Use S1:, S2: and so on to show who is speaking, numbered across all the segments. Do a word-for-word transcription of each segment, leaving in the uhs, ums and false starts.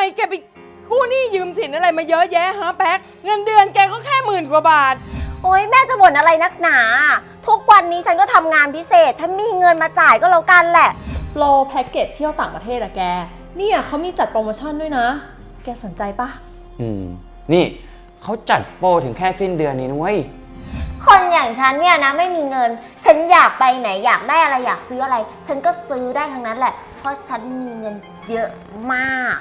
S1: แกไปกู้หนี้ยืมสินอะไรมาเยอะแยะฮะแป๊กเงินเดือนแกก็แค่หมื่นกว่าบาท
S2: โอ๊ยแม่จะบ่นอะไรนักหนาทุกวันนี้ฉันก็ทำงานพิเศษฉันมีเงินมาจ่ายก็แล้วกันแหละ
S3: โปรแพ็กเกจเที่ยวต่างประเทศอะแกเนี่ยเขามีจัดโปรโมชั่นด้วยนะแกสนใจปะ
S4: อืมนี่เขาจัดโปรถึงแค่สิ้นเดือนนี้นะเว้ย
S2: คนอย่างฉันเนี่ยนะไม่มีเงินฉันอยากไปไหนอยากได้อะไรอยากซื้ออะไรฉันก็ซื้อได้ทั้งนั้นแหละเพราะฉันมีเงินเยอะมาก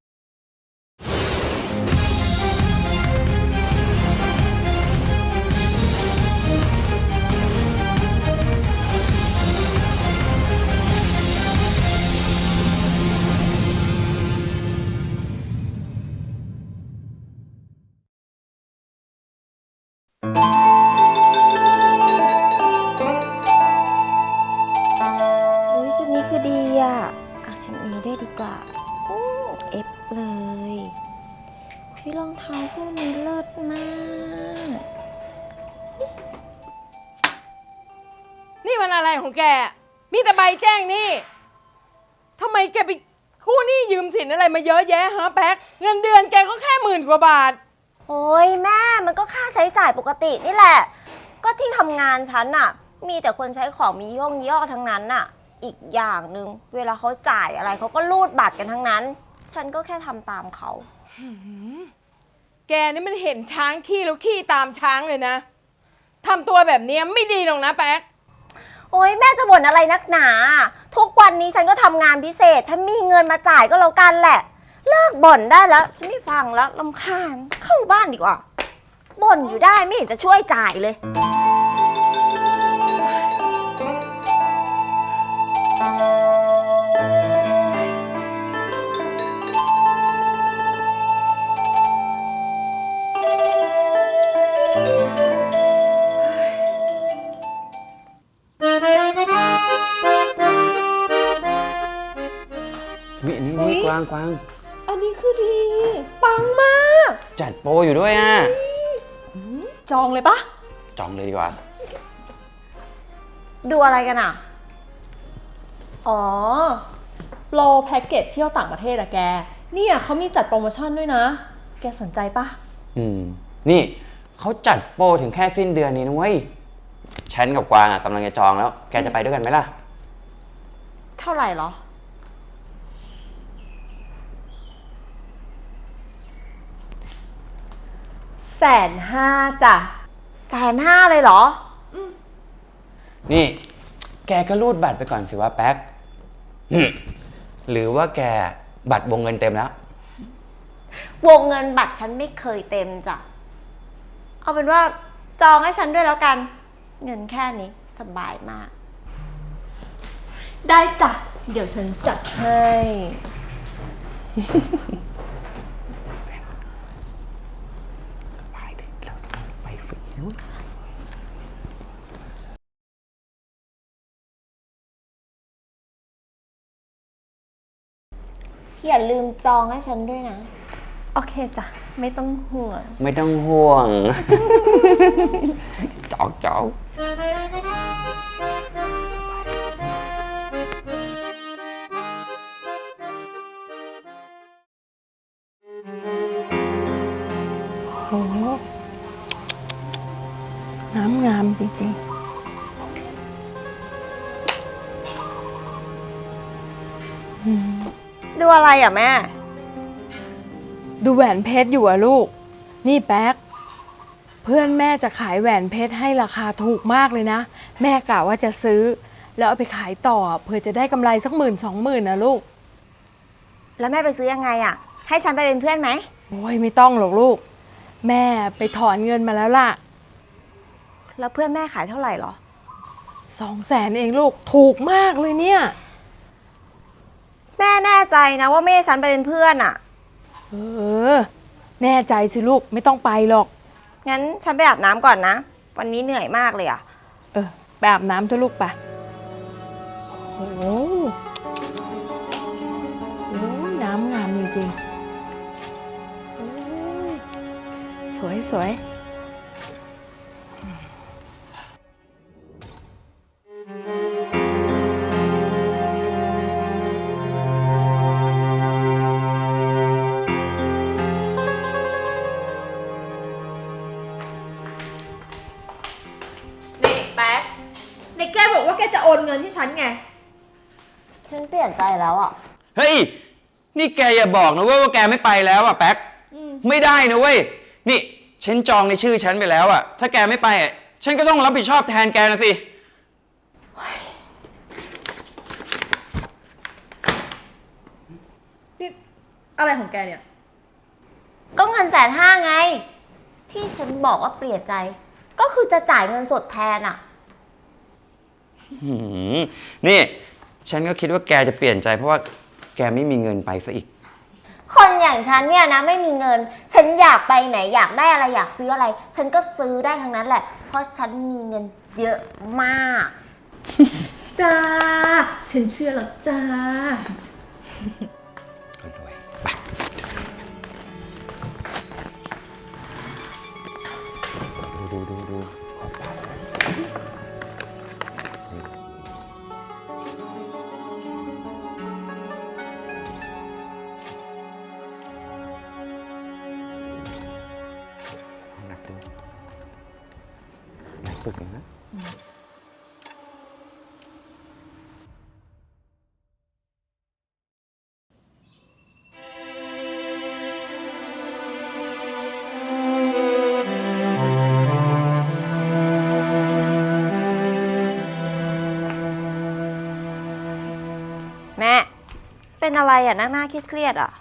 S2: อุ้ยชุดนี้คือดีอ่ะเอาชุดนี้ด้วยดีกว่าโอ้เอฟเลยพี่รองเท้าพวกนี้เลิศมาก
S1: นี่มันอะไรของแกมีแต่ใบแจ้งหนี้ทำไมแกไปกู้หนี้ยืมสินอะไรมาเยอะแยะฮะแป๊กเงินเดือนแกก็แค่หมื่นกว่าบาท
S2: โอ้ยแม่มันก็ค่าใช้จ่ายปกตินี่แหละก็ที่ทำงานฉันน่ะมีแต่คนใช้ของมียี่ห้อยี่ห้อทั้งนั้นน่ะอีกอย่างหนึ่งเวลาเขาจ่ายอะไรเขาก็รูดบัตรกันทั้งนั้นฉันก็แค่ทำตามเขา
S1: แกนี่มันเห็นช้างขี้แล้วขี้ตามช้างเลยนะทำตัวแบบนี้ไม่ดีหรอกนะแป๊ก
S2: โอ๊ยแม่จะบ่นอะไรนักหนาทุกวันนี้ฉันก็ทำงานพิเศษฉันมีเงินมาจ่ายก็แล้วกันแหละเลิกบ่นได้แล้วฉันไม่ฟังแล้วรำคาญเข้าบ้านดีกว่าบ่นอยู่ได้ไม่เห็นจะช่วยจ่ายเลย
S4: นี่นี่นี่กวางกวาง
S3: อันนี้คือดีปังมาก
S4: จัดโปรอยู่ด้วยอ่ะ
S3: จองเลยปะ
S4: จองเลยดีกว่า
S2: ดูอะไรกันอ่ะ
S3: อ๋อโปรแพ็กเกจเที่ยวต่างประเทศอะแกเนี่ยเขามีจัดโปรโมชั่นด้วยนะแกสนใจปะ
S4: อืมนี่เขาจัดโปรถึงแค่สิ้นเดือนนี้นะเว้ยฉันกับกวางอ่ะกำลังจะจองแล้วแกจะไปด้วยกันไหมล่ะ
S2: เท่าไหร่หรอ
S3: แสนห้าจ้ะ
S2: แสนห้าเลยเหรอ
S4: นี่แกก็รูดบัตรไปก่อนสิว่าแป๊กหรือว่าแกบัตรวงเงินเต็มแล้ว
S2: วงเงินบัตรฉันไม่เคยเต็มจ้ะเอาเป็นว่าจองให้ฉันด้วยแล้วกันเงินแค่นี้สบายมาก
S3: ได้จ้ะเดี๋ยวฉันจัดให้
S2: อย่าลืมจองให้ฉันด้วยนะ
S3: โอเคจ้ะไม่ต้องห่วง
S4: ไม่ต้องห่วงจอกจอก
S1: โอ้น้ำงามจริงๆ
S2: ดูอะไรอ่ะแม่
S1: ดูแหวนเพชรอยู่อะลูกนี่แป๊กเพื่อนแม่จะขายแหวนเพชรให้ราคาถูกมากเลยนะแม่กะว่าจะซื้อแล้วเอาไปขายต่อเพื่อจะได้กำไรสักหมื่นสองหมื่นนะลูก
S2: แล้วแม่ไปซื้อยังไงอ่ะให้ฉันไปเป็นเพื่อนไหม
S1: โอ้ยไม่ต้องหรอกลูกแม่ไปถอนเงินมาแล้วล่ะ
S2: แล้วเพื่อนแม่ขายเท่าไหร่หรอ
S1: สองแสนเองลูกถูกมากเลยเนี่ย
S2: แม่แน่ใจนะว่าแม่ฉันไปเป็นเพื่อนอ่ะ
S1: เออแน่ใจสิลูกไม่ต้องไปหรอก
S2: งั้นฉันไปอาบน้ำก่อนนะวันนี้เหนื่อยมากเลยอ่ะ
S1: เออไปอาบน้ำเถอะลูกไปโอ้โหน้ำงามจริงๆสวยสวย
S2: เ
S3: ฉันไง
S2: ฉันเปลี่ยนใจแล้วอ่ะ
S4: เฮ้ย นี่แกอย่าบอกนะเว้ยว่าแกไม่ไปแล้วอะแป๊กไม่ได้นะเว้ย นี่ฉันจองในชื่อฉันไปแล้วอะถ้าแกไม่ไปอะฉันก็ต้องรับผิดชอบแทนแกนะสิ
S3: นี่อะไรของแกเนี่ย
S2: ก็เงินแสนห้าไง ที่ฉันบอกว่าเปลี่ยนใจ ก็คือจะจ่ายเงินสดแทนอ่ะ
S4: หืมนี่ ฉันก็คิดว่าแกจะเปลี่ยนใจเพราะว่าแกไม่มีเงินไปซะอีก
S2: คนอย่างฉันเนี่ยนะไม่มีเงิน ฉันอยากไปไหนอยากได้อะไรอยากซื้ออะไร ฉันก็ซื้อได้ทั้งนั้นแหละ เพราะฉันมีเงินเยอะมาก
S3: จ้า ฉันเชื่อแล้วจ้า
S4: ก็รวยไปดูดูดูดูหนักตัวหนักปึกเลยนะ
S2: แม่ เป็นอะไรอ่ะหน้าหน้าเครียดๆอ่ะ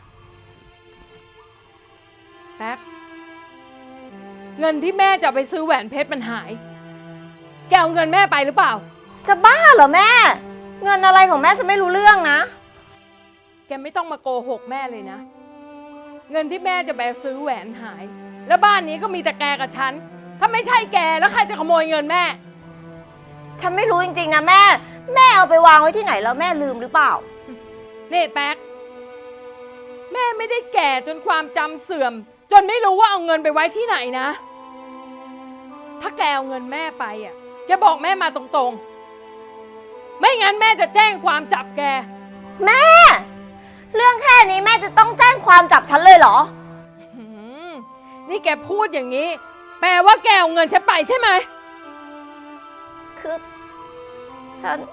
S1: แป๊กเงินที่แม่จะเอาไปซื้อแหวนเพชรมันหาย แกเอาเงินแม่ไปหรือเปล่า
S2: จะบ้าเหรอแม่ เงินอะไรของแม่ฉันไม่รู้เรื่องนะ
S1: แกไม่ต้องมาโกหกแม่เลยนะ เงินที่แม่จะไปซื้อแหวนหาย แล้วบ้านนี้ก็มีแต่แกกับฉัน ถ้าไม่ใช่แกแล้วใครจะขโมยเงินแม่
S2: ฉันไม่รู้จริงๆนะแม่ แม่เอาไปวางไว้ที่ไหนแล้วแม่ลืมหรือเปล่า
S1: นี่แป๊กแม่ไม่ได้แก่จนความจำเสื่อม จนไม่รู้ว่าเอาเงินไปไว้ที่ไหนนะ ถ้าแกเอาเงินแม่ไปอ่ะแกบอกแม่มาตรงๆ ไม่งั้นแม่จะแจ้งความจับแก
S2: แม่ เรื่องแค่นี้แม่จะต้องแจ้งความจับฉันเลยเหรอ
S1: หืมนี่แกพูดอย่างนี้ แปลว่าแกเอาเงินฉันไปใช่ไหม
S2: คือ ฉัน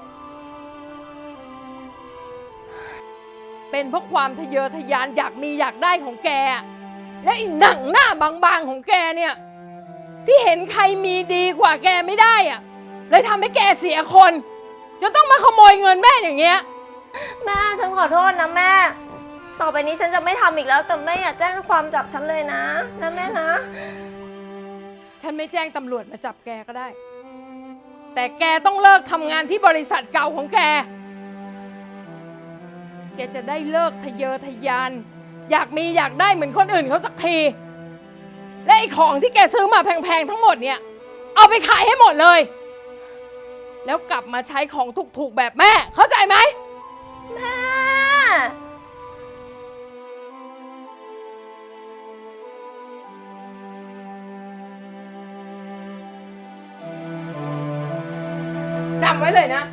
S1: เป็นเพราะความทะเยอทะยานอยากมีอยากได้ของแกอะและไอีหนังหน้าบางๆของแกเนี่ย ที่เห็นใครมีดีกว่าแกไม่ได้อะเลยทำให้แกเสียคนจนต้องมาขโมยเงินแม่อย่างเงี้ย
S2: แม่ฉันขอโทษนะแม่ ต่อไปนี้ฉันจะไม่ทำอีกแล้ว แต่แม่อย่าแจ้งความจับฉันเลยนะนะแม่นะ
S1: ฉันไม่แจ้งตำรวจมาจับแกก็ได้ แต่แกต้องเลิกทำงานที่บริษัทเก่าของแก แกจะได้เลิกทะเยอทะยาน อยากมีอยากได้เหมือนคนอื่นเขาสักที และไอ้ของที่แกซื้อมาแพงๆทั้งหมดเนี่ย เอาไปขายให้หมดเลย แล้วกลับมาใช้ของถูกๆแบบแม่ เข้าใจไหม
S2: แม่
S1: จำไว้เลยนะ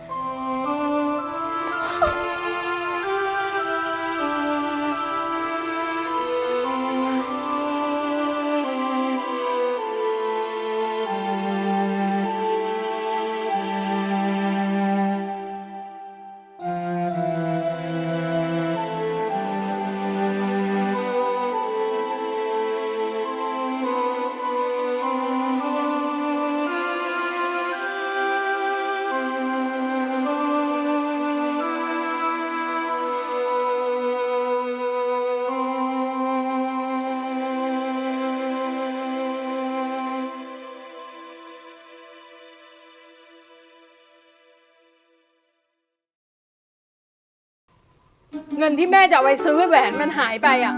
S1: เงินที่แม่จะเอาไปซื้อแหวนมันหายไปอ่ะ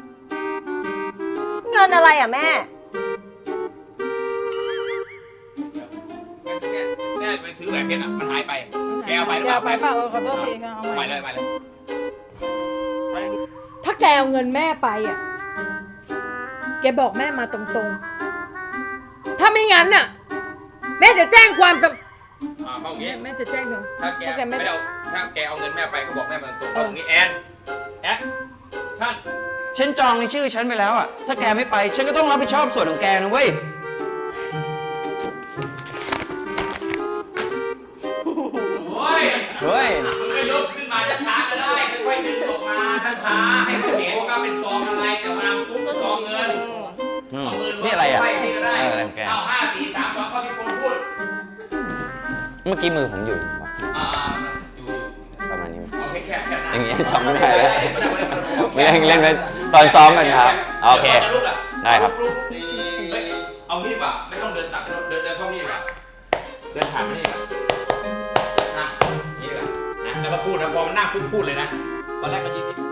S2: เงินอะไรอ่ะแม่
S5: เนี่ยแม่ไปซื้อแหวนเพชรอ่ะมันหายไป แกเอาไปหรือเปล่า
S1: แกเอาไปเปล่าเออขอโทษทีค่ะเอา
S5: เอา
S1: ไป
S5: ไปเลยเอาไปเลย
S1: ถ้าแกเอาเงินแม่ไปอ่ะ แกบอกแม่มาตรงๆ ถ้าไม่งั้นน่ะ แม่จะแจ้งความกับ
S5: อ่าเขาอย่าง
S1: แม่
S5: งี้
S1: แม่จะแจ้งเธอ
S5: ถ้าแก
S1: ถ้าแกไม่
S5: ไม่ได้เอาถ้าแกเอาเงินแม่ไปก็บอกแม่มาตรงๆ
S1: เออ
S5: เอาอย่างงี้แอนแอนท่าน
S4: ฉันจองในชื่อฉันไปแล้วอะถ้าแกไม่ไป ฉันก็ต้องรับผิดชอบส่วนของแกนะเว้ย
S5: โอ้ย
S4: มื่อกี้มือผมอยู่ไหนวะ
S5: อ่าอยู่อยู่
S4: ประมาณนี้ไหม
S5: เอาแค่แค่แค่นั้น
S4: อย่างเงี้ยจำไม่ได้แล้ว ไม่ได้เล่นไปตอนซ้อมกันครับโอเค ได้ครับ
S5: เฮ้ยเอางี้ดีกว่าไม่ต้องเดินตัดเดินเดินเข้านี่ดีกว่าเดินผ่านมานี่ดีกว่านะนี่ดีกว่านะแล้วก็พูดนะพอมันนั่งพูดพูดเลยนะตอนแรกก็ยิ้ม